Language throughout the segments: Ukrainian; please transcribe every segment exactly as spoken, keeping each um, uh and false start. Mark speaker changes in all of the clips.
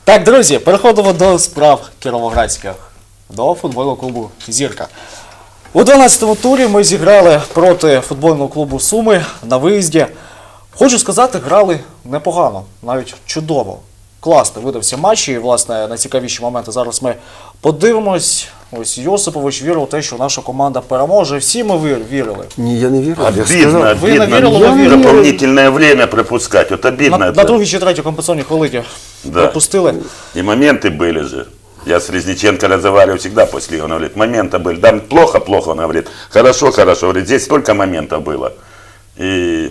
Speaker 1: Так, друзі, переходимо до справ кіровоградських, до футбольного клубу «Зірка». У дванадцятому турі ми зіграли проти футбольного клубу «Суми» на виїзді. Хочу сказати, грали непогано, навіть чудово. Класно видався матч, і, власне, найцікавіші моменти зараз ми подивимось. Ось Йосипович вірив у те, що наша команда переможе. Всі ми вір- вірили.
Speaker 2: Не, я не верю. Я
Speaker 3: Обидно,
Speaker 2: сказал,
Speaker 1: Вы
Speaker 3: обидно.
Speaker 1: наверное,
Speaker 3: Я
Speaker 1: наверное.
Speaker 3: дополнительное время пропускать. Вот обидно
Speaker 1: На,
Speaker 3: это.
Speaker 1: на другій чи третій компенсаційній хвилині
Speaker 3: Да.
Speaker 1: пропустили.
Speaker 3: И моменты были же. Я с Резниченко разговариваю всегда после игры. Он говорит, моменты были. Да, плохо, плохо, он говорит. Хорошо, хорошо. Говорит, здесь столько моментов было. И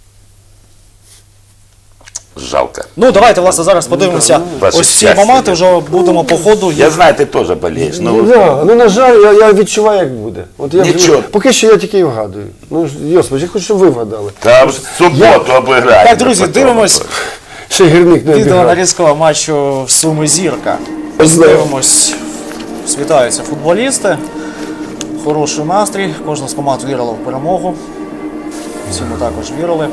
Speaker 3: жалко.
Speaker 1: Ну, давайте, власне, зараз подивимося.
Speaker 3: Ваше
Speaker 1: Ось ці
Speaker 3: щастя,
Speaker 1: моменти
Speaker 3: я-
Speaker 1: вже будемо по ходу.
Speaker 3: Я знаю, ты тоже болеешь.
Speaker 2: Ну,
Speaker 3: Но
Speaker 2: да, ну на жаль, я, я відчуваю, як буде. От я
Speaker 3: Нічого.
Speaker 2: поки що я тільки і вгадую. Ну, ж, Йосипович, я хочу, щоб ви вгадали.
Speaker 3: там в субботу обыграем.
Speaker 1: Так, друзі, дивимось
Speaker 2: Ще гірник не
Speaker 1: відео
Speaker 2: обіграв.
Speaker 1: нарізкового матчу «Суми Зірка». Ось
Speaker 2: Знаю.
Speaker 1: дивимось, світаються футболісти. Хороший настрій, кожна з команд вірила в перемогу. Всі ми також вірили.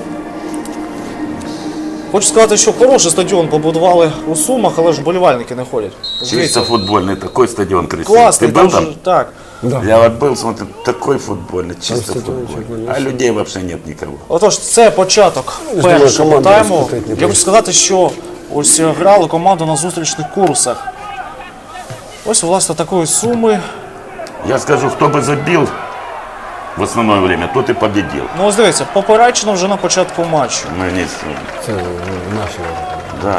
Speaker 1: Хочу сказати, що хороший стадіон побудували у Сумах, але ж вболівальники не ходять.
Speaker 3: Чисто
Speaker 1: Дивіться,
Speaker 3: футбольный, такой стадион красивый.
Speaker 1: класний,
Speaker 3: Ты
Speaker 1: там
Speaker 3: был там?
Speaker 1: же, так.
Speaker 2: Да.
Speaker 3: Я вот был, смотрю, такой футбольный, чисто
Speaker 2: стадиончик,
Speaker 3: футбольный.
Speaker 2: конечно.
Speaker 3: А людей вообще нет никого.
Speaker 1: Отож, це початок
Speaker 2: Я думаю,
Speaker 1: першого
Speaker 2: команда
Speaker 1: тайму.
Speaker 2: розкатить не
Speaker 1: Я хочу
Speaker 2: буде.
Speaker 1: сказати, що ось грали команду на зустрічних курсах. Ось, власне, такої Суми.
Speaker 3: Я скажу, кто бы забил в основное время, тот и победил.
Speaker 1: Ну, ось дивіться, поперечено вже на початку матчу.
Speaker 3: Мы не...
Speaker 2: Це е, наші.
Speaker 3: Да.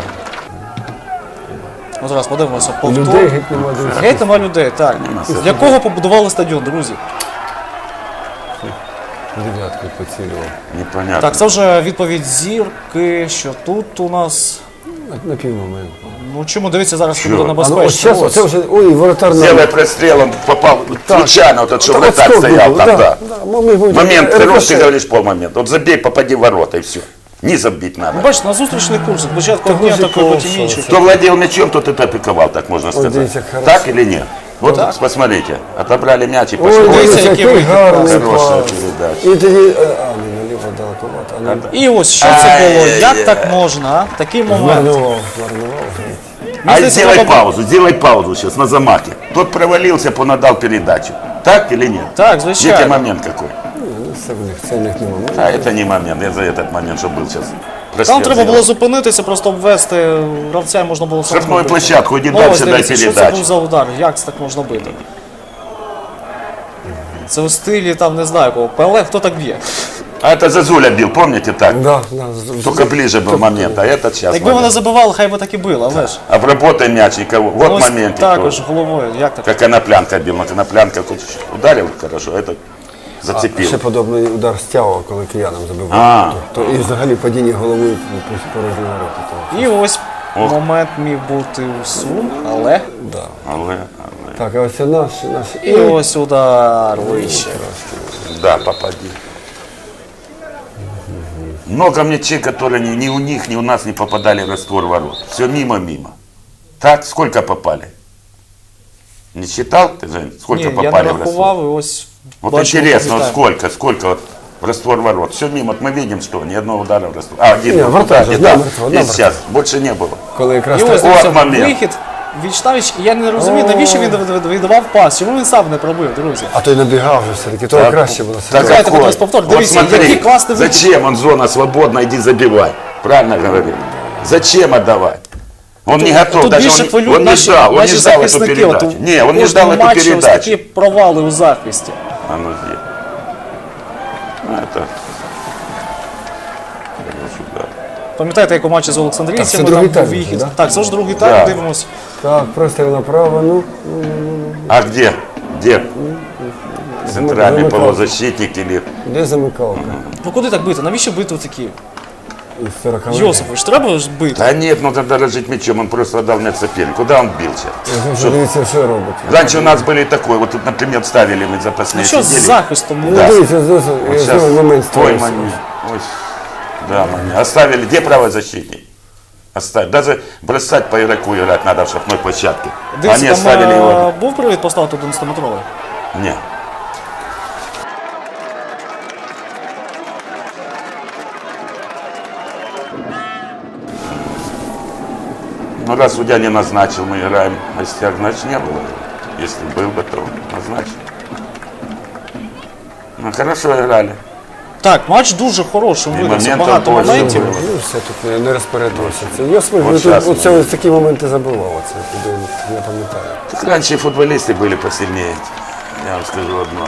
Speaker 1: Ну, зараз подивимося
Speaker 2: Людей
Speaker 1: повтор.
Speaker 2: геть нема, друзі.
Speaker 1: Геть нема людей, так. Для кого побудували стадіон, друзі?
Speaker 2: Дев'ятку поцілював.
Speaker 3: Непонятно.
Speaker 1: Так, це вже відповідь Зірки, що тут у нас...
Speaker 2: На, на півмоменту.
Speaker 1: Ну, чому, дивіться, зараз це
Speaker 3: Що?
Speaker 1: буде
Speaker 2: А ну ось
Speaker 1: небезпечно.
Speaker 2: зараз,
Speaker 1: Ось.
Speaker 2: це вже, ой, воротар на...
Speaker 3: Сделай прострел, он попал случайно, вот этот, что
Speaker 2: Так,
Speaker 3: вратарь
Speaker 2: отскок
Speaker 3: стоял
Speaker 2: был,
Speaker 3: там,
Speaker 2: да,
Speaker 3: да.
Speaker 2: да, мы- мы будем-
Speaker 3: Момент,
Speaker 2: рикошет.
Speaker 3: хороший, ты говоришь, полмомента. Вот забей, попади в ворота, и все. Не забить надо.
Speaker 1: Ну, бачите, на зустрічних курсах, спочатку
Speaker 2: Та
Speaker 1: одні
Speaker 2: ви ж
Speaker 1: атакують, потім
Speaker 2: класно,
Speaker 1: інші.
Speaker 2: це.
Speaker 3: Кто владел мячом, тот это пиковал, так можно сказать.
Speaker 2: видите, хорошо.
Speaker 3: Так или нет? Вот посмотрите, отобрали мяч и пошли.
Speaker 2: Ой,
Speaker 1: Дивіться,
Speaker 2: дивіться,
Speaker 1: який
Speaker 2: який
Speaker 1: вихід
Speaker 2: гарний
Speaker 3: Хорошая
Speaker 2: пас.
Speaker 3: передача.
Speaker 2: І тоді, е, а, не наліво далековато, а не...
Speaker 1: І ось що це було, як
Speaker 3: Ай-яй-яй.
Speaker 1: так можна, а? Такий момент.
Speaker 2: Марнував, марнував.
Speaker 3: А
Speaker 1: здається,
Speaker 3: сделай
Speaker 1: треба-
Speaker 3: паузу, сделай паузу сейчас на замахе. Тот провалился, понадал передачу. Так или нет?
Speaker 1: Так,
Speaker 3: Видите,
Speaker 1: звичайно.
Speaker 3: момент какой?
Speaker 2: Ну, це в них, це в них нема.
Speaker 3: А это не момент, я за этот момент, что был сейчас.
Speaker 1: Там треба було зупинитися, просто обвести гравця, і можна було самому
Speaker 3: Штрафную
Speaker 1: бити.
Speaker 3: площадку, иди
Speaker 1: Ну, ось
Speaker 3: дальше, дай
Speaker 1: дивіться, що це
Speaker 3: передачу.
Speaker 1: був за удар, як це так можна бити? Це у стилі, там, не знаю кого, Пеле, хто так б'є?
Speaker 3: А это Зазуля бил, помните так?
Speaker 2: Да, да, з-
Speaker 3: Только ближе был момент, а этот сейчас.
Speaker 1: Якби вони забивали, хай би так і били, але ж.
Speaker 3: Обработай мяч и кого. Вот
Speaker 1: Ось
Speaker 3: момент.
Speaker 1: також головою, як так?
Speaker 3: Как Коноплянка бил, но Коноплянка хоть ударил хорошо, а этот зацепил.
Speaker 2: Ще подобний удар стягував, коли киянам забивав.
Speaker 3: А.
Speaker 2: То, то і взагалі падіння головою по порожні ворота. то-
Speaker 1: І ось
Speaker 3: Ох.
Speaker 1: момент міг бути у Сум, але...
Speaker 2: Да.
Speaker 3: Але, але.
Speaker 2: Так, а ось це наш, наш.
Speaker 1: І ось удар вище.
Speaker 3: Да, попади. Много мячей, которые ни, ни у них, ни у нас не попадали в раствор ворот. Все мимо-мимо. Так, сколько попали? Не считал ты, Жень, сколько
Speaker 1: Ні, я не
Speaker 3: попали в раствор?
Speaker 1: рахував, і ось...
Speaker 3: Вот
Speaker 1: бачимо,
Speaker 3: интересно, вот
Speaker 1: пам'ятаємо.
Speaker 3: сколько, сколько вот в раствор ворот. Все мимо, вот мы видим, что ни одного удара в раствор. А, один
Speaker 2: Не,
Speaker 3: вот
Speaker 2: вратарь
Speaker 3: удар,
Speaker 2: же,
Speaker 3: да,
Speaker 2: да, мертво, да,
Speaker 3: и сейчас, больше не было.
Speaker 2: Коли якраз
Speaker 1: І ось
Speaker 2: так-
Speaker 1: дивіться,
Speaker 3: момент.
Speaker 1: вихід Вічнавіч, і я не розумію, навіщо він віддавав пас, чому він сам не пробив, друзі?
Speaker 2: А той набігав вже все-таки, то
Speaker 3: Так,
Speaker 2: краще було.
Speaker 3: так
Speaker 1: Давайте
Speaker 3: какой?
Speaker 1: подивимось повтор.
Speaker 3: Вот
Speaker 1: Дивіться,
Speaker 3: смотри,
Speaker 1: який класний вихід.
Speaker 3: зачем он зона свободна, иди забивай. Правильно говорил. Зачем отдавать? Он не готов,
Speaker 1: Тут
Speaker 3: даже
Speaker 1: більше
Speaker 3: он, не-
Speaker 1: хвилюють
Speaker 3: он не
Speaker 1: наші,
Speaker 3: ждал, он не
Speaker 1: наші
Speaker 3: ждал эту
Speaker 1: захисники. От
Speaker 3: передачу.
Speaker 1: у
Speaker 3: Не, он не ждал
Speaker 1: кожному
Speaker 3: эту
Speaker 1: матчі ось такі
Speaker 3: передачу.
Speaker 1: провали у захисті.
Speaker 3: А ну где? Ну, это... Хороший удар.
Speaker 1: Пам'ятаєте, як у матчі з
Speaker 2: Так,
Speaker 1: Олександрійцями,
Speaker 2: це
Speaker 1: там
Speaker 2: другий
Speaker 1: був
Speaker 2: тайм,
Speaker 1: вихід.
Speaker 2: да?
Speaker 1: Так, це ж другий
Speaker 3: Да.
Speaker 1: тайм, дивимось.
Speaker 2: Так, простріл направо, ну, ну, ну,
Speaker 3: А где? Где? Центральный
Speaker 2: замыкал.
Speaker 3: полузащитник или...
Speaker 2: ну, де замикалка?
Speaker 1: Ну куди так бити? Навіщо бити такі?
Speaker 2: Із сорокових.
Speaker 1: Йосипович, треба ж бити.
Speaker 3: Да нет, ну надо дорожить мячом, он просто отдал мяч сопернику. Куда он бил сейчас?
Speaker 2: Вже дивіться, що робить.
Speaker 3: Раньше у нас были такой, вот тут, например, ставили мы запасные
Speaker 1: Ну що з
Speaker 3: сидели.
Speaker 1: захистом?
Speaker 2: Ну,
Speaker 3: Да.
Speaker 2: дивіться, знову
Speaker 3: Вот сейчас
Speaker 2: знову момент
Speaker 3: твой
Speaker 2: створився.
Speaker 3: момент. Ой, да, момент. Оставили, где правозащитник? Оставили. Даже бросать по игроку играть надо в шахматной площадке.
Speaker 1: Дивіться,
Speaker 3: Они оставили
Speaker 1: там
Speaker 3: его.
Speaker 1: а, був привід поставити одинадцятиметровий?
Speaker 3: Не. Ну, раз судья не назначил, мы играем в гостях, значит, не было. Если был бы, то назначил. Ну, хорошо играли.
Speaker 1: Так, матч дуже хорошим
Speaker 3: І
Speaker 1: видався,
Speaker 3: моментів
Speaker 1: багато
Speaker 3: більше
Speaker 1: моментів.
Speaker 3: було.
Speaker 2: Ну, все тут не, не розпорядився. Це Йосип,
Speaker 3: От
Speaker 2: ну,
Speaker 3: щас
Speaker 2: тут, оце
Speaker 3: ми-
Speaker 2: ось такі моменти забував, оце, туди не пам'ятаю.
Speaker 3: Так раньше и футболисты были посильнее. Я вам скажу одно.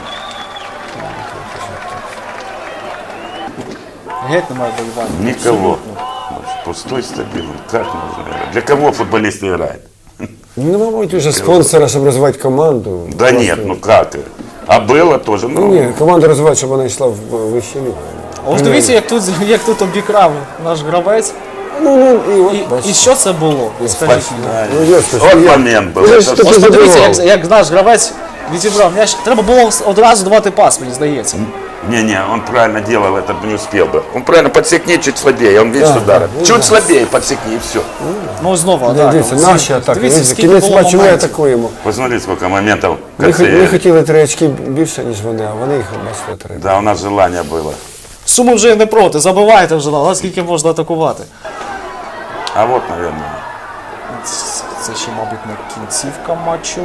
Speaker 1: Геть немає болівання.
Speaker 3: Никого. Пустой стадион. Как можно играть? Для кого футболисты играют?
Speaker 2: Ну, мабуть, вже спонсора, щоб розвивати команду.
Speaker 3: Да
Speaker 2: Просто-
Speaker 3: нет, ну как? А было тоже,
Speaker 2: Ну,
Speaker 3: ну,
Speaker 2: ні, команду розвивати, щоб вона йшла в вищу лігу.
Speaker 1: Ось дивіться, як тут, як тут обікрав наш гравець.
Speaker 2: Ну, ну, і от,
Speaker 1: І,
Speaker 2: бачиш.
Speaker 1: і що це було? Скажіть мені.
Speaker 2: Ну, Йосип,
Speaker 3: вот
Speaker 2: я-
Speaker 3: момент был.
Speaker 2: Ну,
Speaker 3: Это
Speaker 2: що
Speaker 3: всё.
Speaker 2: ти
Speaker 1: Ось подивіться, як,
Speaker 2: забивав?
Speaker 1: як наш гравець відібрав м'яч. Треба було одразу давати пас, мені здається.
Speaker 3: Не-не, он правильно делал, это не успел бы. Он правильно подсекни чуть слабее, он видит,
Speaker 2: Да,
Speaker 3: что ударит.
Speaker 2: да,
Speaker 3: Чуть
Speaker 2: да.
Speaker 3: слабее подсекни и все.
Speaker 1: Ну знову
Speaker 2: Да,
Speaker 1: атака.
Speaker 2: дивіться,
Speaker 1: Ось
Speaker 2: наші атаки.
Speaker 1: Дивіться,
Speaker 2: Дивіться,
Speaker 1: скільки
Speaker 2: кінець
Speaker 1: було
Speaker 2: матчу ми
Speaker 1: моментів.
Speaker 2: атакуємо.
Speaker 3: Посмотри, сколько моментов в
Speaker 2: Ми, хо-
Speaker 3: конце.
Speaker 2: ми хотіли три очки більше, ніж вони, а вони їх бачите три.
Speaker 3: Да, у нас желание было.
Speaker 1: Суми вже не проти, забивайте вже, але скільки можна атакувати.
Speaker 3: А вот, наверное,
Speaker 1: Це ще, мабуть, не кінцівка матчу.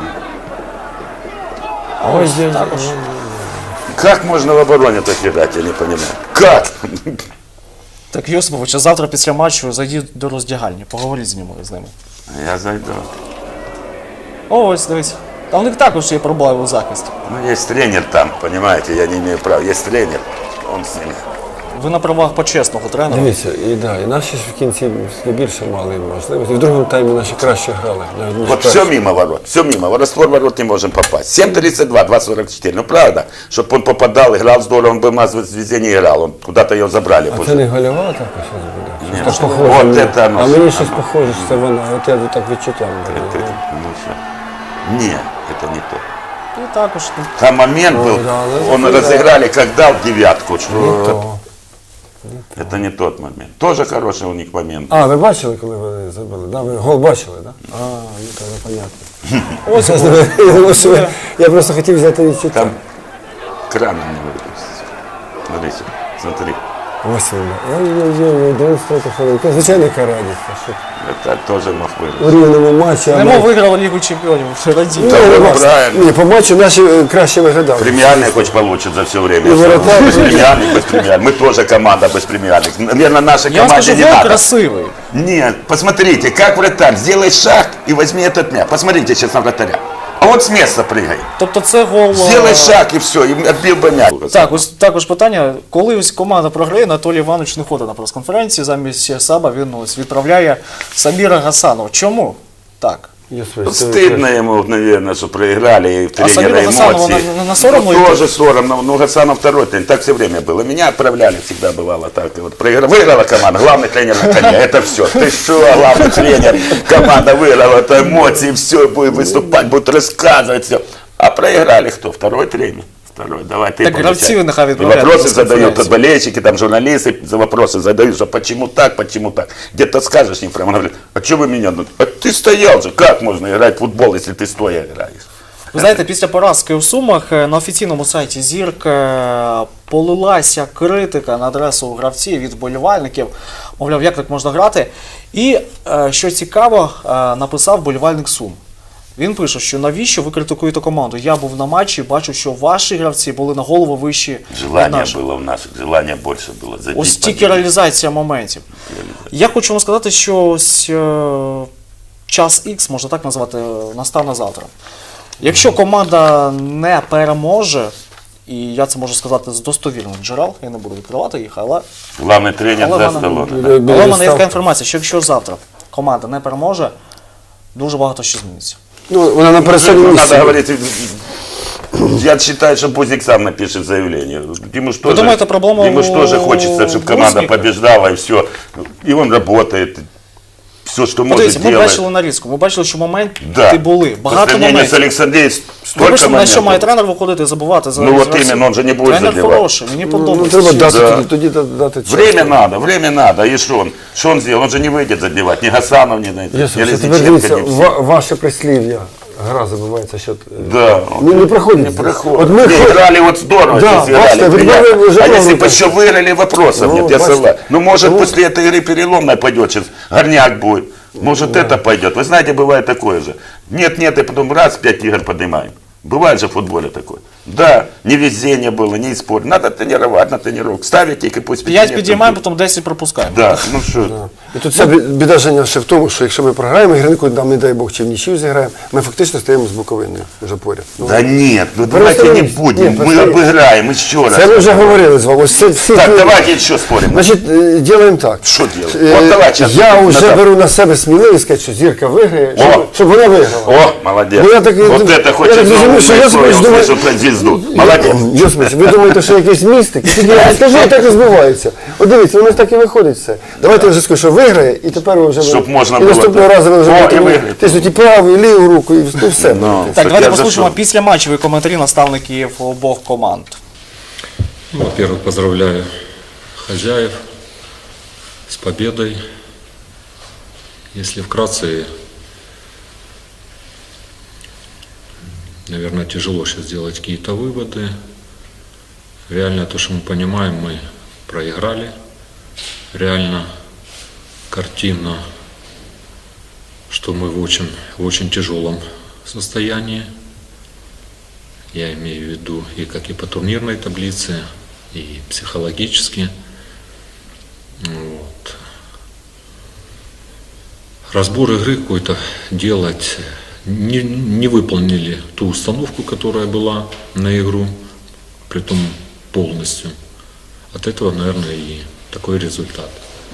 Speaker 2: Ось я-
Speaker 1: також.
Speaker 3: как можно в обороне так играть, я не понимаю. Как?
Speaker 1: Так, Йосипович, а завтра після матчу зайдіть до роздягальні, поговоріть з ними з ними.
Speaker 3: Я зайду.
Speaker 1: О, ось дивись. Та у них також є проблеми у захисті.
Speaker 3: Ну, есть тренер там, понимаете, я не имею права. Есть тренер, он с ними.
Speaker 1: Ви на правах почесного тренера.
Speaker 2: Дивіться, і, да, і наші ж в кінці більше мали можливості. В другому таймі наші краще грали. навіть ніж
Speaker 3: Вот
Speaker 2: перші.
Speaker 3: все мимо ворот, все мимо. В раствор ворот не можем попасть. семь тридцать два, два сорок четыре. Ну правда, чтобы он попадал, играл здорово, он бы у нас везде не играл. Он куда-то ее забрали.
Speaker 2: А
Speaker 3: после.
Speaker 2: це не гольова атака щось буде?
Speaker 3: Ні,
Speaker 2: Щось
Speaker 3: що-
Speaker 2: похоже.
Speaker 3: от
Speaker 2: мені.
Speaker 3: це оно.
Speaker 2: А мені щось похоже, що це вона. От я так відчуття.
Speaker 3: Это- ну, всё. Не, это не то.
Speaker 1: І також ну,
Speaker 3: Там момент был,
Speaker 2: да, да,
Speaker 3: он
Speaker 2: да.
Speaker 3: разыграли, как дал девятку. Что
Speaker 2: Не то.
Speaker 3: это не тот момент. Тоже хороший у них момент.
Speaker 2: А, ви бачили, коли вони забили? Да, ви гол бачили, так? Да? А, ну то непонятно.
Speaker 1: ось
Speaker 2: Я думав, що ви- Я просто хотів взяти відчуття.
Speaker 3: Там кран не выпустить. Смотри, смотри.
Speaker 2: Ось він. Ой-ой-ой, дев'яносто третя хвилинка. Звичайно, радість. що
Speaker 3: Это тоже мог
Speaker 2: У
Speaker 3: выручить.
Speaker 2: рівному матчі. а
Speaker 1: Немо
Speaker 2: ми-
Speaker 1: виграла Лігу Чемпіонів. Радій.
Speaker 2: Ні,
Speaker 3: Та
Speaker 2: ну,
Speaker 3: ви
Speaker 2: вас-
Speaker 3: правильно.
Speaker 2: Ні, по матчу наші е, краще виглядали.
Speaker 3: Премиальный хоть получит за все время.
Speaker 2: И вратарь.
Speaker 3: Без премиальных, без премиальных. Мы тоже команда без премиальных. Наверное, нашей
Speaker 1: Я вам
Speaker 3: команде
Speaker 1: скажу,
Speaker 3: не
Speaker 1: гол
Speaker 3: надо.
Speaker 1: красивий.
Speaker 3: Нет, посмотрите, как вратарь. Сделай шаг и возьми этот мяч. Посмотрите сейчас на вратаря. А вот с места прыгай.
Speaker 1: Тобто це гол.
Speaker 3: Сделай
Speaker 1: е,
Speaker 3: шаг и все, и отбил бы мяч.
Speaker 1: Так, ось також питання. Коли ось команда програє, Анатолій Іванович не ходить на прес-конференції, замість Саба він ось відправляє Саміра Гасанова. Чому? Так.
Speaker 2: Я
Speaker 3: Ну,
Speaker 2: свій- це-
Speaker 3: стыдно ему, наверное, что проиграли, и
Speaker 1: А Самиру
Speaker 3: тренера
Speaker 1: Гасанову
Speaker 3: эмоции.
Speaker 1: на- на- на соромно
Speaker 3: Ну,
Speaker 1: идти?
Speaker 3: тоже соромно, но Гасанов второй тренер, так все время было. Меня отправляли, всегда бывало так. И вот проиграла, выиграла команда, главный тренер на коне, это все. Ты что, главный тренер, команда выиграла, это эмоции, все, будет выступать, будет рассказывать, все. А проиграли кто? Второй тренер. Второй, давай ты
Speaker 1: Так
Speaker 3: получай.
Speaker 1: гравців нехай
Speaker 3: И
Speaker 1: відправляють на
Speaker 3: вопросы
Speaker 1: прес-конференцію.
Speaker 3: задают, тут болельщики, там журналисты за вопросы задают, что почему так, почему так. Где-то скажешь им прямо, он говорит, а что вы меня? ну, А ты стоял же, как можно играть в футбол, если ты стоя играешь?
Speaker 1: Ви знаєте, після поразки у Сумах е, на офіційному сайті «Зірк» е, полилася критика на адресу гравців від вболівальників. Мовляв, як так можна грати? І, е, що цікаво, е, написав вболівальник Сум. Він пише, що навіщо ви критикуєте команду? Я був на матчі, бачу, що ваші гравці були на голову вищі від
Speaker 3: Желание
Speaker 1: наших.
Speaker 3: было у наших, желание больше было. Забить,
Speaker 1: Ось тільки
Speaker 3: победить.
Speaker 1: реалізація моментів. Я хочу вам сказати, що ось е, час Х, можна так назвати, е, настане завтра. Якщо команда не переможе, і я це можу сказати з достовірних джерел, я не буду відкривати їх, але,
Speaker 3: Главный тренер
Speaker 1: але, в
Speaker 3: за
Speaker 1: мене-
Speaker 3: столом.
Speaker 2: Біля- біля
Speaker 1: але в мене є така
Speaker 2: ставки.
Speaker 1: інформація, що якщо завтра команда не переможе, дуже багато що зміниться.
Speaker 2: Ну, вона на пересадній
Speaker 3: Надо
Speaker 2: місці.
Speaker 3: говорить, я считаю, что Бузик сам напишет заявление. Ему что
Speaker 1: думаете, проблема
Speaker 3: ему ж
Speaker 1: у
Speaker 3: тоже хочется, чтобы команда
Speaker 1: Бузика?
Speaker 3: побеждала, и все. И он работает. Все, что может,
Speaker 1: Подивіться, ми
Speaker 3: делает.
Speaker 1: бачили нарізку, ми бачили, що моменти
Speaker 3: Да.
Speaker 1: були,
Speaker 3: По
Speaker 1: багато
Speaker 3: сравнению с
Speaker 1: моментів.
Speaker 3: Александреем, столько
Speaker 1: Вибачте, на що має
Speaker 3: моментов.
Speaker 1: тренер виходити і забувати за
Speaker 3: Ну,
Speaker 1: за
Speaker 3: от
Speaker 1: гравців?
Speaker 3: іменно, він же не буде
Speaker 1: Тренер
Speaker 3: забивати.
Speaker 1: хороший, мені
Speaker 2: Ну,
Speaker 1: подобається.
Speaker 2: треба дати,
Speaker 3: Да.
Speaker 2: тоді, тоді дати час.
Speaker 3: Время надо, время надо. И что он? Что он сделал? Он же не выйдет забивать. Ни Гасанов, ни, ни, ни
Speaker 2: Ясно, що тепер
Speaker 3: Резниченко,
Speaker 2: дивіться,
Speaker 3: ни все.
Speaker 2: ва- ваше прислів'я. Гра забувається, що...
Speaker 3: Да.
Speaker 2: Не, не проходит.
Speaker 3: Не
Speaker 2: здесь.
Speaker 3: проходит.
Speaker 2: Вот мы
Speaker 3: Не,
Speaker 2: хо-
Speaker 3: играли вот здорово,
Speaker 2: Да,
Speaker 3: здесь играли,
Speaker 2: бачите, вот
Speaker 3: приятно.
Speaker 2: мы уже
Speaker 3: А если
Speaker 2: много
Speaker 3: бы еще выиграли, вопросов
Speaker 2: Ну,
Speaker 3: нет, я
Speaker 2: бачите.
Speaker 3: согласен. Ну, может,
Speaker 2: Ну.
Speaker 3: после этой игры переломной пойдет, сейчас горняк будет. Может, это пойдет. Вы знаете, бывает такое же. Нет-нет, и потом раз, пять игр поднимаем. Бывает же в футболе такое. Да, не везение было, не спор. Надо тренировать, на тренировку. Ставить их и пусть
Speaker 1: П'ять підіймаємо, потім десять пропускаємо.
Speaker 3: Да, ну что.
Speaker 2: І тут ця бі- біда Женя ще в тому, що якщо ми програємо гірнику, там, не дай Бог, чи в нічию зіграємо, ми фактично стаємо з Буковиною вже поряд. Ну,
Speaker 3: Да нет, ну давайте не
Speaker 2: Нет,
Speaker 3: будем. Мы
Speaker 2: просто-
Speaker 3: обыграем еще раз.
Speaker 2: це ми вже говорили з вами. Ось це всі
Speaker 3: Так,
Speaker 2: ті-
Speaker 3: давайте еще спорим.
Speaker 2: Значить, е, ділаємо так.
Speaker 3: Що делать?
Speaker 2: Е,
Speaker 3: От давай щас
Speaker 2: Я вже
Speaker 3: назад.
Speaker 2: беру на себе сміливість сказати, що Зірка виграє,
Speaker 3: О!
Speaker 2: щоб, щоб вона виграла.
Speaker 3: О, молодец.
Speaker 2: Ну, я так-
Speaker 3: вот
Speaker 2: я
Speaker 3: это
Speaker 2: так
Speaker 3: хочет
Speaker 2: розумію,
Speaker 3: новую
Speaker 2: що я
Speaker 3: историю
Speaker 2: собі думаю-
Speaker 3: услышал про звезду. Молодец.
Speaker 2: Йосипович, ви думаєте, що якийсь містик? Тільки я скажу, так і збувається. От дивіться, воно ж так і виходить все. Давайте я вже скажу, що виграє, і тепер ви вже...
Speaker 3: Щоб можна
Speaker 2: і
Speaker 3: було
Speaker 2: наступного
Speaker 3: так.
Speaker 2: разу ви вже
Speaker 3: О,
Speaker 2: будете
Speaker 3: і
Speaker 2: мені
Speaker 3: виграти.
Speaker 2: тиснути і праву, і ліву руку, і ну, все.
Speaker 3: Ну.
Speaker 1: Так,
Speaker 3: Щоб
Speaker 1: давайте
Speaker 3: я
Speaker 1: послухаємо
Speaker 3: зайшов.
Speaker 1: після матчеві коментарі наставників обох команд.
Speaker 4: Ну, Во-первых, поздравляю хозяев с победой. Если вкратце, наверное, тяжело сейчас сделать какие-то выводы. Реально то, что мы понимаем, мы проиграли. Реально, картинно, что мы в очень, в очень тяжелом состоянии. Я имею в виду и как и по турнирной таблице, и психологически. Вот. Разбор игры какой-то делать, не, не выполнили ту установку, которая была на игру, притом полностью. От этого, наверное, и такой результат.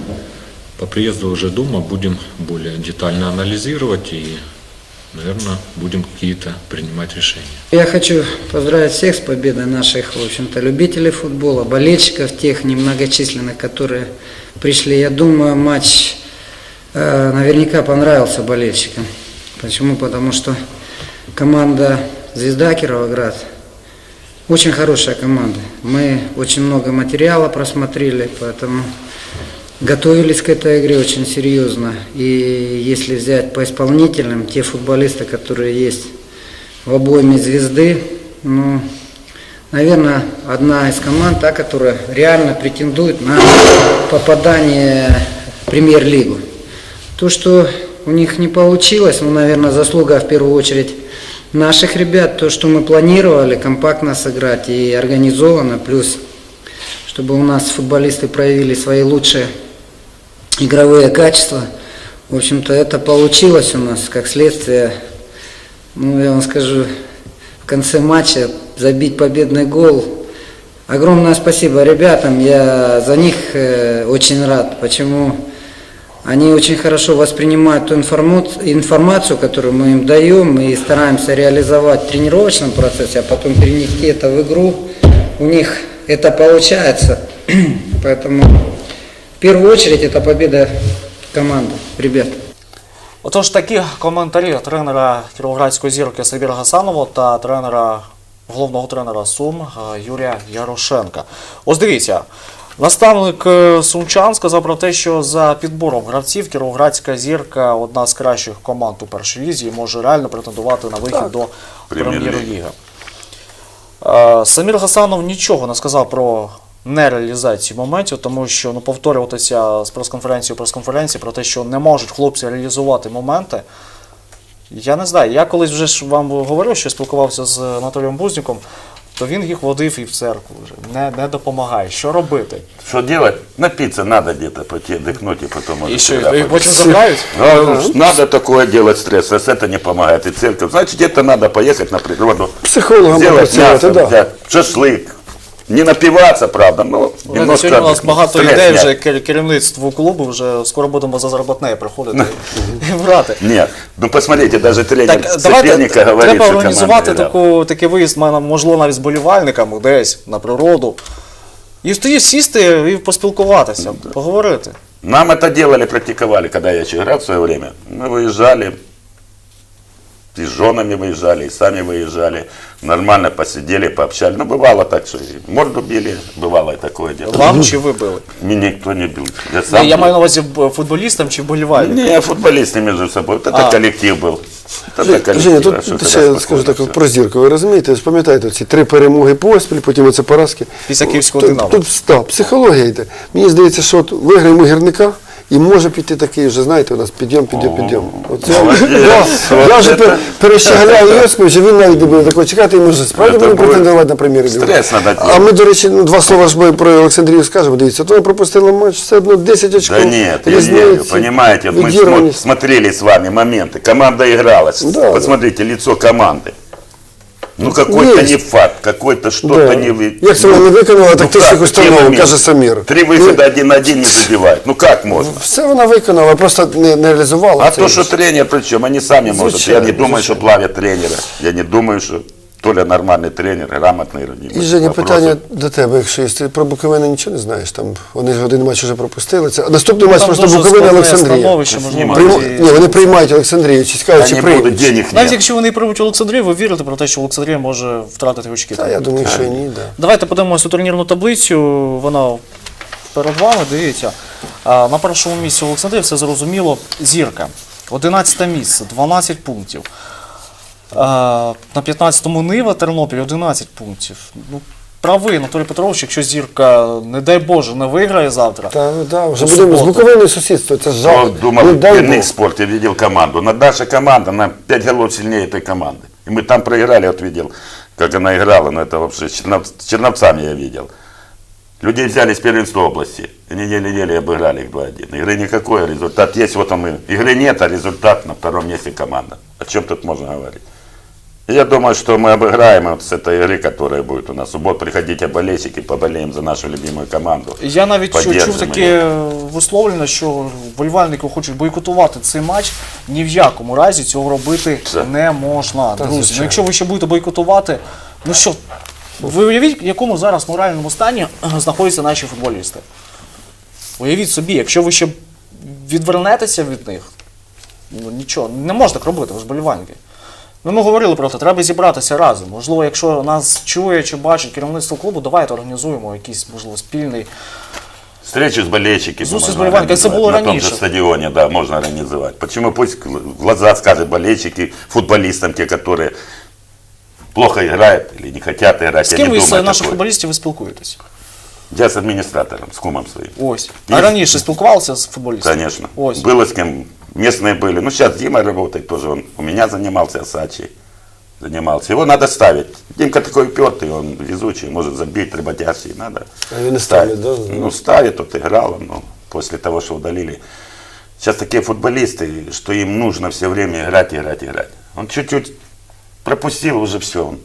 Speaker 4: По приезду уже дома будем более детально анализировать и, наверное, будем какие-то принимать решения.
Speaker 5: Я хочу поздравить всех с победой наших, в общем-то, любителей футбола, болельщиков, тех немногочисленных, которые пришли. Я думаю, матч э, наверняка понравился болельщикам. Почему? Потому что команда «Звезда» Кировоград очень хорошая команда. Мы очень много материала просмотрели, поэтому готовились к этой игре очень серьезно. И если взять по исполнителям, те футболисты, которые есть в обойме «Звезды», ну, наверное, одна из команд, та, которая реально претендует на попадание в премьер-лигу. То, что у них не получилось, ну, наверное, заслуга в первую очередь наших ребят, то, что мы планировали компактно сыграть и организованно, плюс, чтобы у нас футболисты проявили свои лучшие игровые качества. В общем-то, это получилось у нас, как следствие, ну, я вам скажу, в конце матча забить победный гол. Огромное спасибо ребятам, я за них э, очень рад. Почему? Они очень хорошо воспринимают ту информацию, информацию, которую мы им даем, и стараемся реализовать в тренировочном процессе, а потом перенести это в игру. У них это получается. Поэтому в первую очередь это победа команды, ребят.
Speaker 1: Отож, такі коментарі тренера Кіровоградської «Зірки» Сабіра Гасанова та тренера, головного тренера Сум е, Юрія Ярошенка. Ось дивіться, наставник е, сумчан сказав про те, що за підбором гравців Кіровоградська «Зірка» одна з кращих команд у першій лізі і може реально претендувати на вихід до
Speaker 3: Прем'єр-ліги.
Speaker 1: прем'єр-ліги. Е, Самір Гасанов нічого не сказав про нереалізацію моментів, тому що ну, повторюватися з прес-конференції у прес-конференції про те, що не можуть хлопці реалізувати моменти. Я не знаю, я колись вже ж вам говорив, що спілкувався з Анатолієм Бузніком, то він їх водив і в церкву вже. Не, не допомагає. Що робити?
Speaker 3: Что делать? Напиться надо где-то, пойти отдохнуть и потом...
Speaker 1: І
Speaker 3: уже
Speaker 1: що,
Speaker 3: сюда
Speaker 1: і
Speaker 3: пойти.
Speaker 1: потім забирають?
Speaker 3: Ну, надо такое делать стресс, раз это не помогает. И церковь, значит, где-то надо поехать на природу,
Speaker 2: Психологам
Speaker 3: сделать
Speaker 2: попрацювати,
Speaker 3: мясо,
Speaker 2: да.
Speaker 3: взять, шашлык. Не напиваться, правда, но
Speaker 1: Знаєте,
Speaker 3: немножко
Speaker 1: сьогодні у нас багато
Speaker 3: стресс
Speaker 1: ідей
Speaker 3: снять.
Speaker 1: вже кер- керівництву клубу, вже скоро будемо за заробітне приходити і брати.
Speaker 3: Нет, ну посмотрите, даже тренер
Speaker 1: Так, давайте,
Speaker 3: соперника говорит,
Speaker 1: треба
Speaker 3: что
Speaker 1: організувати
Speaker 3: команда
Speaker 1: таку, такий виїзд, ма- можливо, навіть з болівальниками десь на природу. І тоді сісти і поспілкуватися, поговорити.
Speaker 3: Нам это делали, практиковали, когда я еще играл в свое время. Мы выезжали, и с женами выезжали, и сами выезжали. Нормально посидели, пообщались. Ну, бывало так, что и морду били, бывало и такое дело.
Speaker 1: Вам чи ви били?
Speaker 3: Меня никто не бил. Я
Speaker 1: Ні,
Speaker 3: сам
Speaker 1: я
Speaker 3: бил.
Speaker 1: маю на увазі б- футболістам чи болівальникам?
Speaker 3: Не, футболисты между собой. Вот это
Speaker 1: А.
Speaker 3: коллектив был. Это коллектив.
Speaker 2: Женя,
Speaker 3: а
Speaker 2: тут
Speaker 3: что
Speaker 2: ще
Speaker 3: тогда
Speaker 2: я скажу
Speaker 3: спокойно
Speaker 2: так
Speaker 3: всё.
Speaker 2: про Зірку. Ви розумієте, ви ж пам'ятаєте ці три перемоги поспіль, потім оце поразки.
Speaker 1: Після Київського
Speaker 2: Тут-
Speaker 1: «Динамо».
Speaker 2: Тут да, психологія йде. Мені здається, що от виграємо гірника, І може піти такий вже, знаєте, у нас підйом, підйом, підйом. Оце,
Speaker 3: молодець.
Speaker 2: я,
Speaker 3: От
Speaker 2: я вже
Speaker 3: це-
Speaker 2: пер- перещегляю Йосиповича, він навіть не буде такого чекати, і може справді
Speaker 3: Це
Speaker 2: буде
Speaker 3: буде
Speaker 2: претендувати на прем'єр-лігу.
Speaker 3: стрес надо
Speaker 2: А
Speaker 3: делать.
Speaker 2: ми, до речі, ну, два слова ж ми про Олександрію скажемо. Дивіться, то ми пропустили матч, все одно десять очків.
Speaker 3: Да нет, я
Speaker 2: різниці,
Speaker 3: верю, понимаете, вот мы смо-
Speaker 2: відірваність.
Speaker 3: смотрели с вами моменты, команда играла,
Speaker 2: Да,
Speaker 3: посмотрите лицо команды. Ну какой-то
Speaker 2: Есть.
Speaker 3: не факт, какой-то что-то
Speaker 2: Да.
Speaker 3: не... вы-
Speaker 2: Як це вона не виконала
Speaker 3: Ну
Speaker 2: тактичних
Speaker 3: как, какие
Speaker 2: установок,
Speaker 3: моменты?
Speaker 2: каже Самір.
Speaker 3: Три выхода один на один не задевают. Ну как можно?
Speaker 2: Все вона виконала, просто не, не реалізувала.
Speaker 3: А
Speaker 2: це.
Speaker 3: то, что тренер, причем они сами могут. Я
Speaker 2: Звичайно,
Speaker 3: не думаю, что
Speaker 2: звичайно.
Speaker 3: плавят тренера. Я не думаю, что Толя нормальный тренер, грамотный.
Speaker 2: І, Женя, питання до тебе, якщо є. Ти про Буковину нічого не знаєш, там вони ж один матч вже пропустили. Це наступний матч
Speaker 1: Там
Speaker 2: просто
Speaker 1: дуже
Speaker 2: Буковина
Speaker 1: складне
Speaker 2: Олександрія.
Speaker 1: становище, можливо,
Speaker 3: Прийма-
Speaker 2: Прийма-
Speaker 1: і-
Speaker 2: Ні, вони приймають Олександрію, чи цікаво, чи
Speaker 3: Не буду,
Speaker 2: приймуть.
Speaker 3: денег
Speaker 1: Навіть
Speaker 3: нет.
Speaker 1: якщо вони приймуть Олександрію, ви вірите про те, що Олександрія може втратити очки?
Speaker 2: Та я думаю, що і ні, да.
Speaker 1: Давайте подивимося у турнірну таблицю. Вона перед вами, дивіться. А, На першому місці Олександрія, все зрозуміло, Зірка. одинадцяте місце, дванадцять пунктів. А, На п'ятнадцятому Нива, Тернопіль, одинадцять пунктів. Ну, правий Анатолій Петрович, якщо Зірка, не дай Боже, не виграє завтра.
Speaker 2: Та, да, вже
Speaker 1: У
Speaker 2: будемо з
Speaker 1: суботу.
Speaker 2: Буковиною сусідство, це ж
Speaker 3: Кто
Speaker 2: жах.
Speaker 3: думал,
Speaker 2: Ну,
Speaker 3: в
Speaker 2: дай
Speaker 3: Пенных
Speaker 2: Бог.
Speaker 3: спорте видел команду. Но наша команда на пять голов сильнее этой команды. И мы там проиграли, вот видел, как она играла. Но это вообще с Чернов- с Черновцами я видел. Людей взяли с первенства области. И неделю-неделю обыграли их два один. Игры никакой, результат есть. Вот он, и- игры нет, а результат на втором месте команда. О чем тут можно говорить? И я думаю, что мы обыграем вот с этой игры, которая будет у нас. В субботу приходите болельщики, поболеем за нашу любимую команду.
Speaker 1: Я навіть чу- чув
Speaker 3: Поддержимо
Speaker 1: таке висловлення, що вболівальники хочуть бойкотувати цей матч. Ні в якому разі цього робити
Speaker 3: Це-
Speaker 1: не можна. Друзі, ну,
Speaker 2: звичайно.
Speaker 1: якщо ви ще будете бойкотувати, ну що, ви уявіть, в якому зараз моральному стані е, знаходяться наші футболісти. Уявіть собі, якщо ви ще відвернетеся від них, ну нічого, не можна так робити, ви ж вболівальники. Ну, ми говорили про це, треба зібратися разом. Можливо, якщо нас чує чи бачить керівництво клубу, давайте організуємо якийсь, можливо, спільний.
Speaker 3: Встречу с болельщиками.
Speaker 1: Зустріч з
Speaker 3: можно
Speaker 1: болельщиками, це було
Speaker 3: организовать. На том же
Speaker 1: раніше.
Speaker 3: стадионе, да, можно организовать. Почему пусть в глаза скажут болельщики, футболистам, те, которые плохо играют или не хотят играть.
Speaker 1: З
Speaker 3: Я
Speaker 1: ким
Speaker 3: не
Speaker 1: ви з
Speaker 3: думаю
Speaker 1: наших
Speaker 3: такое.
Speaker 1: футболістів ви спілкуєтесь?
Speaker 3: Я с администратором, с кумом своим.
Speaker 1: Ось. А
Speaker 3: Є.
Speaker 1: раніше спілкувалися з футболістами?
Speaker 3: Конечно.
Speaker 1: Ось.
Speaker 3: Было с кем, местные были. Ну, сейчас Дима работает тоже, он у меня занимался, Асачи занимался. Его надо ставить. Димка такой упертый, он везучий, может забить, работящий, надо
Speaker 2: А він не ставить, да?
Speaker 3: Ну, ставит, вот играл, но после того, что удалили. Сейчас такие футболисты, что им нужно все время играть, играть, играть. Он чуть-чуть пропустил, уже все. Он...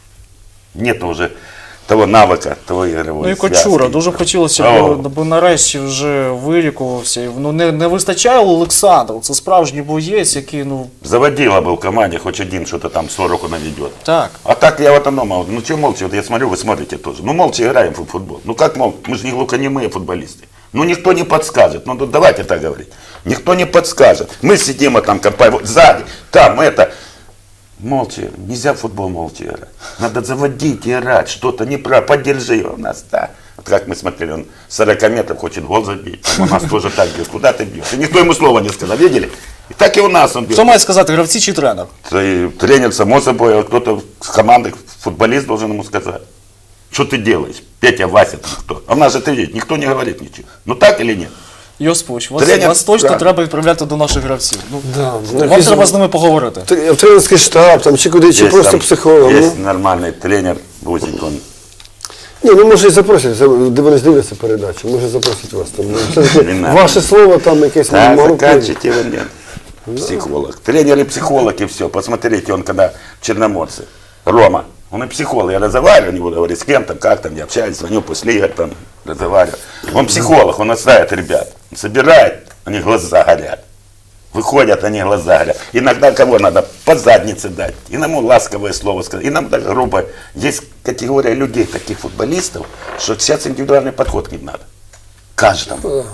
Speaker 3: Нет уже того навыка, того игровой
Speaker 1: Ну і
Speaker 3: связки.
Speaker 1: Кочура, дуже б хотілося
Speaker 3: О.
Speaker 1: б, аби нарешті вже вилікувався. І, Ну не, не вистачає Олександру, це справжній боєць, який, ну,
Speaker 3: Заводила был в команде, хоть один что-то там сороку наведет.
Speaker 1: так.
Speaker 3: А так я вот оно, мол, ну что молча, вот я смотрю, вы смотрите тоже. Ну молча играем в футбол. Ну как мол, мы же не глухонемые футболисты. Ну никто не подскажет, ну давайте так говорить. Никто не подскажет. Мы сидим, а там компания, вот сзади, там это. Молча, нельзя в футбол молча играть. Надо заводить, играть, что-то не про, поддержи его. У нас, да. Вот как мы смотрели, он с сорока метров хочет гол забить. Там у нас тоже так бьет. Куда ты бьешь? И никто ему слова не сказал, видели? И так и у нас он бьет.
Speaker 1: Хто має сказати, гравці чи тренер?
Speaker 3: И тренер, само собой, а кто-то с команды, футболист должен ему сказать, что ты делаешь, Петя, Вася, там кто. А у нас же ты видишь, никто не говорит ничего. Ну так или нет?
Speaker 1: Йосипович, вас,
Speaker 3: Тренер-
Speaker 1: вас точно
Speaker 3: так.
Speaker 1: треба відправляти до наших гравців. Ну,
Speaker 2: Да.
Speaker 1: вам треба з ними поговорити.
Speaker 2: В тренерський штаб, там, чи куди, чи
Speaker 3: Есть
Speaker 2: просто
Speaker 3: там-
Speaker 2: психолог.
Speaker 3: Есть
Speaker 2: Ну,
Speaker 3: нормальный тренер, Бузик, он
Speaker 2: ні, ну може і запросять, це- де вони ж дивляться передачу, може запросять вас там. Ну, все-таки
Speaker 3: Не надо.
Speaker 2: ваше слово там якесь
Speaker 3: да,
Speaker 2: мало
Speaker 3: заканчивайте его, нет. Психолог. Тренер и психолог, и все. Посмотрите, он когда в Черноморце, Рома, он и психолог. Я разговариваю, не буду говорить с кем там, как там, я общаюсь, звоню после игр, там, разговариваю. Он психолог, он отставит ребят. Он собирает, у них глаза горят. Выходят, они глаза горят. Иногда кого надо по заднице дать, иному ласковое слово сказать, иногда грубо. Есть категория людей, таких футболистов, что сейчас индивидуальный подход к ним надо. Каждому.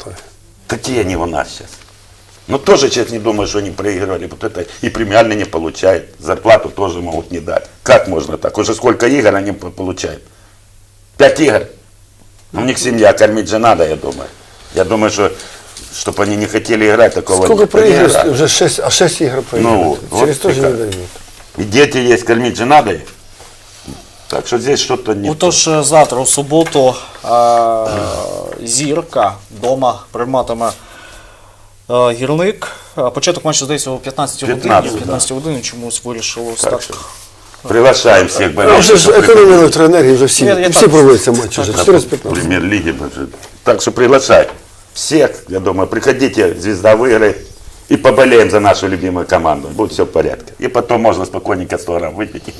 Speaker 3: Такие они у нас сейчас. Но тоже сейчас не думаю, что они проигрывали. Вот это и премиальный не получает. Зарплату тоже могут не дать. Как можно так? Уже сколько игр они по- получают? Пять игр. У них семья, кормить же надо, я думаю. Я думаю, что чтобы они не хотели играть, такого
Speaker 2: Сколько
Speaker 3: нет. Они
Speaker 2: проігрів?
Speaker 3: играют.
Speaker 2: Вже шесть, а шесть ігор проіграли.
Speaker 3: Ну,
Speaker 2: Через
Speaker 3: от
Speaker 2: то ж не
Speaker 3: яка.
Speaker 2: дають.
Speaker 3: И дети есть, кормить же надо их. Так что здесь что-то не то.
Speaker 1: Отож, е, завтра, у суботу, е, Зірка вдома прийматиме е, Гірник. Е, Початок матчу, здається, о п'ятнадцятій годині.
Speaker 3: п'ятнадцять,
Speaker 1: п'ятнадцятій годині чомусь вирішило
Speaker 3: Так
Speaker 1: так.
Speaker 3: что приглашаем всех
Speaker 2: А вже
Speaker 3: болельщиков.
Speaker 2: ж економія електроенергії, вже всі,
Speaker 1: Я- я
Speaker 2: всі
Speaker 1: так-
Speaker 2: проводяться матчі, вже
Speaker 1: так,
Speaker 2: чотири з п'ятнадцяти.
Speaker 3: Премьер-лиги. Так что приглашай всех, я думаю, приходите, звезда выиграет, и поболеем за нашу любимую команду. Будет все в порядке. И потом можно спокойненько сто грамм выпить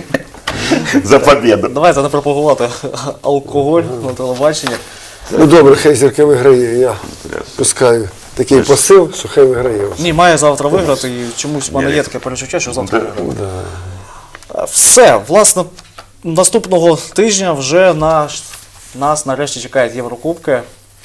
Speaker 3: за победу.
Speaker 1: Давайте не пропагувати алкоголь на телебаченні.
Speaker 2: Ну добре, хай Зірка виграє, я пускаю такий посил, що хай виграє.
Speaker 1: Ні, має завтра виграти, і чомусь в мене є таке перечуття, що завтра виграє. Е, Все, власне, наступного тижня вже наш, нас нарешті чекають Єврокубки.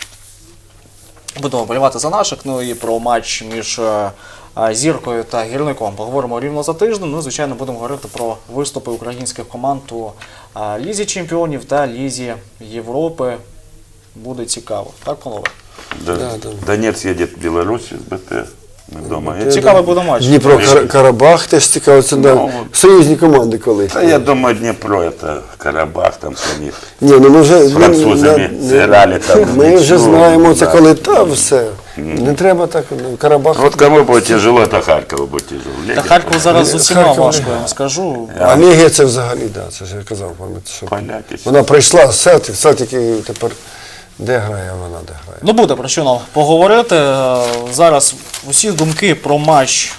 Speaker 1: Будемо вболівати за наших, ну і про матч між е, е, Зіркою та Гірником поговоримо рівно за тиждень. Ну і, звичайно, будемо говорити про виступи українських команд у е, Лізі Чемпіонів та Лізі Європи. Буде цікаво. Так, панове?
Speaker 3: Да. Донец едет в Беларусь с БТ. Мы дома. Я,
Speaker 1: Цікавий буде матч.
Speaker 2: Дніпро Кар- Карабах теж цікаво, це да,
Speaker 3: Ну,
Speaker 2: союзні команди коли.
Speaker 3: да, я думаю, Днепро это Карабах, там с них.
Speaker 2: Ні, ну ми вже
Speaker 3: З французами
Speaker 2: ну,
Speaker 3: зіграли там.
Speaker 2: Ми вже
Speaker 3: нічого,
Speaker 2: знаємо це
Speaker 3: да.
Speaker 2: коли там все. Не треба так, ну, Карабах.
Speaker 3: Вот кому будет тяжело, это Харькову будет тяжело.
Speaker 1: Та
Speaker 3: Легко.
Speaker 1: Харків зараз з усіма
Speaker 2: Харків
Speaker 1: важко,
Speaker 2: не-
Speaker 1: я вам скажу.
Speaker 2: А Лігія це взагалі, да, це ж я казав, пам'ятаєте, що
Speaker 3: Поляки.
Speaker 2: вона прийшла з Селтик, Селтик і тепер де грає вона, де грає.
Speaker 1: Ну буде про що нам поговорити. Е, Зараз усі думки про матч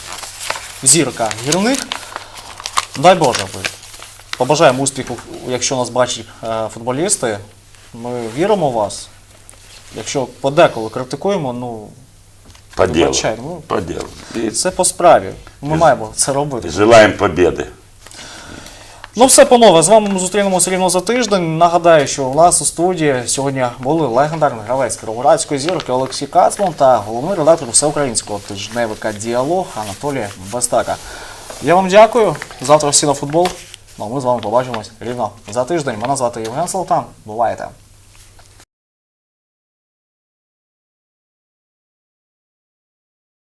Speaker 1: Зірка Гірник. Дай Боже, ви. Побажаємо успіху, якщо нас бачать е, футболісти. Ми віримо в вас. Якщо подеколи критикуємо, ну
Speaker 3: По делу.
Speaker 1: вибачай, ну,
Speaker 3: По делу. И
Speaker 1: це по справі. Ми маємо це робити.
Speaker 3: желаем победы.
Speaker 1: Ну все, панове, з вами ми зустрінемося рівно за тиждень. Нагадаю, що у нас у студії сьогодні були легендарний гравець Кіровоградської Зірки Олексій Кацман та головний редактор всеукраїнського тижневика «Діалог» Анатолій Бастака. Я вам дякую. Завтра всі на футбол. Ну, а ми з вами побачимось рівно за тиждень. Мене звати Євген Салтан. Бувайте!